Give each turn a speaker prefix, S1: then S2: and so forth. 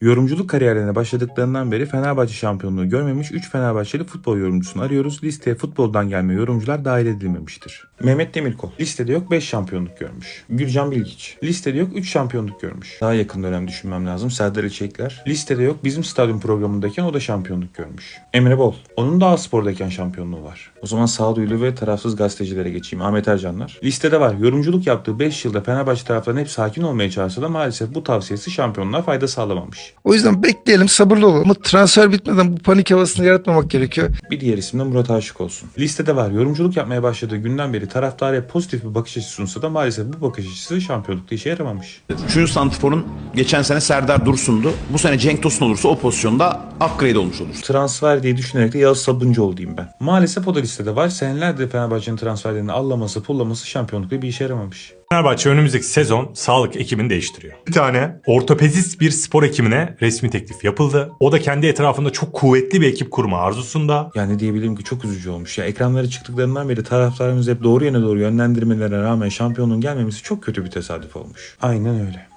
S1: Yorumculuk kariyerlerine başladıklarından beri Fenerbahçe şampiyonluğu görmemiş 3 Fenerbahçeli futbol yorumcusunu arıyoruz. Listeye futboldan gelme yorumcular dahil edilmemiştir. Mehmet Demirkol. Listede yok 5 şampiyonluk görmüş. Gürcan Bilgiç. Listede yok 3 şampiyonluk görmüş. Daha yakın dönem düşünmem lazım. Serdar İçekler. Listede yok, bizim stadyum programındayken o da şampiyonluk görmüş. Emre Bol. Onun da A-Spor'dayken şampiyonluğu var. O zaman sağduyulu ve tarafsız gazetecilere geçeyim. Ahmet Ercanlar. Listede var. Yorumculuk yaptığı 5 yılda Fenerbahçe taraftarının hep sakin olmaya çağırsa da maalesef bu tavsiyesi şampiyonluğa fayda sağlamamış.
S2: O yüzden bekleyelim, sabırlı olalım. Ama transfer bitmeden bu panik havasını yaratmamak gerekiyor.
S1: Bir diğer isim de Murat Aşık olsun. Listede var. Yorumculuk yapmaya başladığı günden beri taraftara pozitif bir bakış açısı sunsa da maalesef bu bakış açısı şampiyonlukta işe yaramamış.
S3: 3. santrforun geçen sene Serdar Dursun'du. Bu sene Cenk Tosun olursa o pozisyonda upgrade olmuş olur.
S1: Transfer diye düşünerek de Yağız Sabuncuoğlu diyeyim ben. Maalesef o da listede var. Senelerdir Fenerbahçe'nin transferlerini allaması, pullaması şampiyonlukta bir işe yaramamış.
S4: Fenerbahçe önümüzdeki sezon sağlık ekibini değiştiriyor. Bir tane ortopedist bir spor hekimine resmi teklif yapıldı. O da kendi etrafında çok kuvvetli bir ekip kurma arzusunda.
S1: Yani diyebilirim ki çok üzücü olmuş. Ya ekranlara çıktıklarından beri taraftarımız hep doğru yöne doğru yönlendirmelerine rağmen şampiyonluğun gelmemesi çok kötü bir tesadüf olmuş. Aynen öyle.